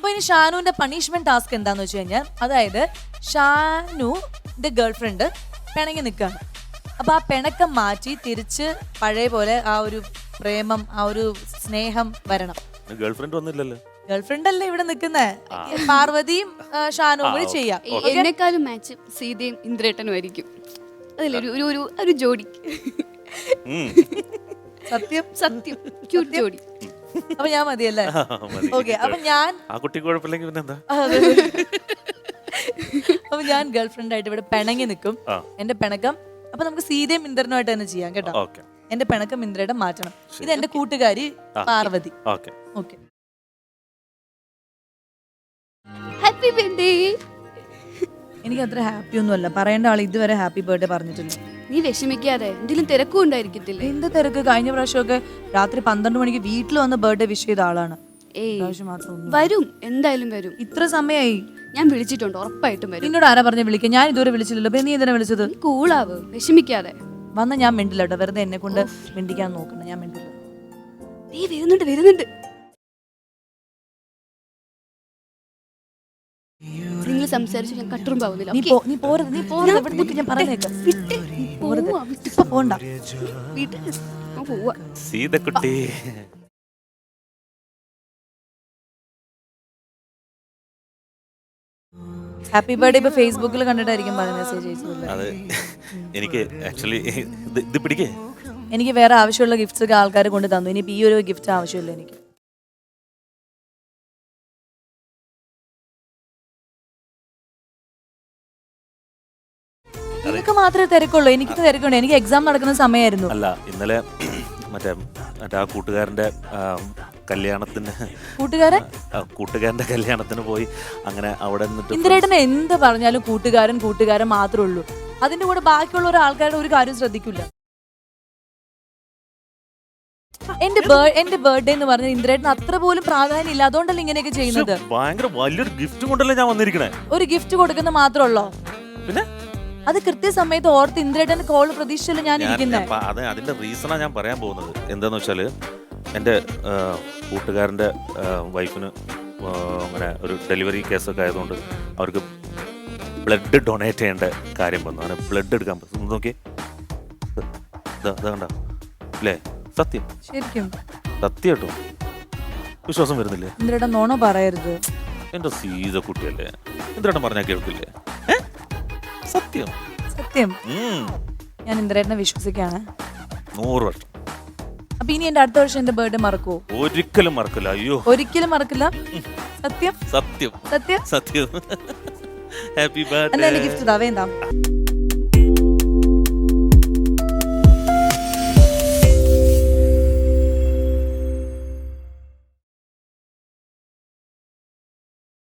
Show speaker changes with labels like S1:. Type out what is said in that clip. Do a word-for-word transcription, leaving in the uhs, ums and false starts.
S1: ഇനി ഷാനുവിന്റെ punishment task എന്താന്ന് വെച്ച് കഴിഞ്ഞാൽ, അതായത് ഷാനുന്റെ ഗേൾഫ്രണ്ട് പിണങ്ങി നിൽക്കുകയാണ്. അപ്പൊ ആ പിണക്കം മാറ്റി തിരിച്ച് പഴയ പോലെ ആ ഒരു പ്രേമം, ആ ഒരു സ്നേഹം വരണം.
S2: ഗേൾഫ്രണ്ട് ഒന്നുമില്ലല്ലോ.
S1: ഗേൾഫ്രണ്ട് അല്ലേ ഇവിടെ നിൽക്കുന്നേ, പാർവതിയും ഷാനുവും കൂടി ചെയ്യാം.
S3: എന്നെക്കാളും മാച്ച് സീതയും ഇന്ദ്രേട്ടനും ആയിരിക്കും. അതിലൊരു ഒരു ഒരു ഒരു ജോഡി.
S1: സത്യം
S3: സത്യം ക്യൂട്ട് ജോഡി.
S1: അപ്പൊ ഞാൻ മതിയല്ലേ? ഓക്കെ. അപ്പൊ ഞാൻ
S2: ആ കുട്ടി കുഴപ്പമില്ലെങ്കിൽ പിന്നെന്താ.
S1: അപ്പൊ ഞാൻ ഗേൾഫ്രണ്ട് ആയിട്ട് ഇവിടെ പിണങ്ങി നിൽക്കും. എന്റെ പിണക്കം അപ്പൊ നമുക്ക് സീതയും ഇന്ദ്രനുമായിട്ട് തന്നെ ചെയ്യാം കേട്ടോ. എന്റെ പിണക്കം ഇന്ദ്രയുടെ മാറ്റണം. ഇത് എന്റെ കൂട്ടുകാരി പാർവതി. ഓക്കെ.
S3: Happy birthday.
S1: എനിക്ക് അത്ര ഹാപ്പി ഒന്നും അല്ല, പറയേണ്ട ആൾ ഇതുവരെ ഹാപ്പി ബർത്ത്ഡേ പറഞ്ഞിട്ടില്ല.
S3: നീ വിഷമിക്കാതെ, എന്തെങ്കിലും തിരക്കും ഉണ്ടായിരിക്കത്തില്ലേ?
S1: എന്ത് തിരക്ക്? കഴിഞ്ഞ പ്രാവശ്യമൊക്കെ രാത്രി പന്ത്രണ്ട് മണിക്ക് വീട്ടിൽ വന്ന് ബർത്ത്ഡേ വിഷ് ചെയ്ത ആളാണ്.
S3: വരും, എന്തായാലും വരും.
S1: ഇത്ര സമയമായി.
S3: ഞാൻ വിളിച്ചിട്ടുണ്ട്, ഉറപ്പായിട്ടും വരും.
S1: നിന്നോട് ആരാ പറഞ്ഞ വിളിക്കാൻ? ഞാൻ ഇതുവരെ വിളിച്ചില്ലല്ലോ. നീ എന്തിനാ വിളിച്ചത്?
S3: കൂളാവ്, വിഷമിക്കാതെ.
S1: വന്ന ഞാൻ മിണ്ടില്ല കേട്ടോ, വെറുതെ എന്നെ കൊണ്ട് മിണ്ടിക്കാൻ നോക്കണം. ഞാൻ മിണ്ടില്ല.
S3: നീ വരുന്നുണ്ട് വരുന്നുണ്ട് നിങ്ങൾ സംസാരിച്ചു ഞാൻ കട്ടുറുമ്പാവുന്നില്ല.
S1: നീ പോരുത്, നീ പോരുത്. ഇവിടെ നിൽക്ക്, ഞാൻ പറഞ്ഞേക്കാം. ഇപ്പൊ പോണ്ട.
S2: സീതക്കുട്ടി
S1: ഹാപ്പി ബർത്ത്ഡേ ഇപ്പൊ ഫേസ്ബുക്കിൽ കണ്ടിട്ടായിരിക്കും മെസ്സേജ് അയച്ചത്.
S2: അതെ, എനിക്ക് ആക്ച്വലി ഇത് പിടിക്കേ.
S1: എനിക്ക് വേറെ ആവശ്യമുള്ള ഗിഫ്റ്റ്സ് ഒക്കെ ആൾക്കാർ കൊണ്ട് തന്നു. ഇനിയിപ്പോ ഈ ഒരു ഗിഫ്റ്റ് ആവശ്യമില്ല എനിക്ക്. നിനക്ക് മാത്രമേ തിരക്കുള്ളൂ, എനിക്ക് തിരക്കുണ്ട്. എനിക്ക് എക്സാം നടക്കുന്ന സമയമായിരുന്നു.
S2: അല്ല, ഇന്നലെ മറ്റേ മറ്റേ ആ കൂട്ടുകാരന്റെ കല്യാണത്തിന്
S1: കൂട്ടുകാരൻ
S2: കൂട്ടുകാരന്റെ കല്യാണത്തിന് പോയി. അങ്ങനെ അവിടെ നിന്നിട്ട്
S1: ഇന്ദ്രേട്ടനെ എന്ത് പറഞ്ഞാലും കൂട്ടുകാരൻ കൂട്ടുകാരൻ മാത്രമേ ഉള്ളൂ. അതിന്റെ കൂടെ ബാക്കിയുള്ള ഒരു ആൾക്കാരുടെ ഒരു കാര്യം ശ്രദ്ധിക്കില്ല. എന്റെ എന്റെ ബർത്ത്ഡേ എന്ന് പറഞ്ഞ ഇന്ദ്രേട്ടന് അത്ര പോലും പ്രാധാന്യം ഇല്ല. അതുകൊണ്ടല്ലേ ഇങ്ങനെയൊക്കെ ചെയ്യുന്നത്.
S2: ഭയങ്കര വലിയൊരു ഗിഫ്റ്റ് കൊണ്ടല്ലേ ഞാൻ വന്നിരിക്കണേ.
S1: ഒരു ഗിഫ്റ്റ് കൊടുക്കുന്ന മാത്രമല്ലോ,
S2: പിന്നെ
S1: അത് കൃത്യസമയത്ത് ഓർത്ത് ഇന്ദ്രേട്ടന്റെ കോള് പ്രതീക്ഷിച്ചല്ലേ ഞാൻ ഇരിക്കുന്നത്.
S2: അതെ, അതിന്റെ റീസണാ ഞാൻ പറയാൻ പോകുന്നത്. എന്താന്ന് വെച്ചാല് എൻ്റെ കൂട്ടുകാരൻ്റെ വൈഫിന് അങ്ങനെ ഒരു ഡെലിവറി കേസൊക്കെ ആയതുകൊണ്ട് അവർക്ക് ബ്ലഡ് ഡൊണേറ്റ് ചെയ്യേണ്ട കാര്യം വന്നു. അങ്ങനെ ബ്ലഡ് എടുക്കാൻ പറ്റും. നോക്കി കണ്ട അല്ലേ? സത്യം,
S1: ശരിക്കും
S2: സത്യം കേട്ടോ. വിശ്വാസം വരുന്നില്ലേ?
S1: ഇന്ദ്രേട്ടൻ നോണോ പറയരുത്.
S2: എന്റെ സീത കുട്ടിയല്ലേ, ഇന്ദ്രേട്ടൻ പറഞ്ഞാൽ കേൾക്കില്ലേ? സത്യം
S1: സത്യം. ഞാൻ ഇന്ദ്രേട്ടനെ വിശ്വസിക്കാണ്
S2: നൂറ് വർഷം.
S1: അപ്പൊ ഇനി എന്റെ അടുത്ത വർഷം എന്റെ ബർത്ത്ഡേ മറക്കുവോ?
S2: ഒരിക്കലും മറക്കില്ല. അയ്യോ,
S1: ഒരിക്കലും മറക്കില്ല. സത്യം
S2: സത്യം
S1: സത്യം
S2: സത്യം. Happy birthday.
S1: എന്നാ ഗിഫ്റ്റ് താ, വേണ്ട.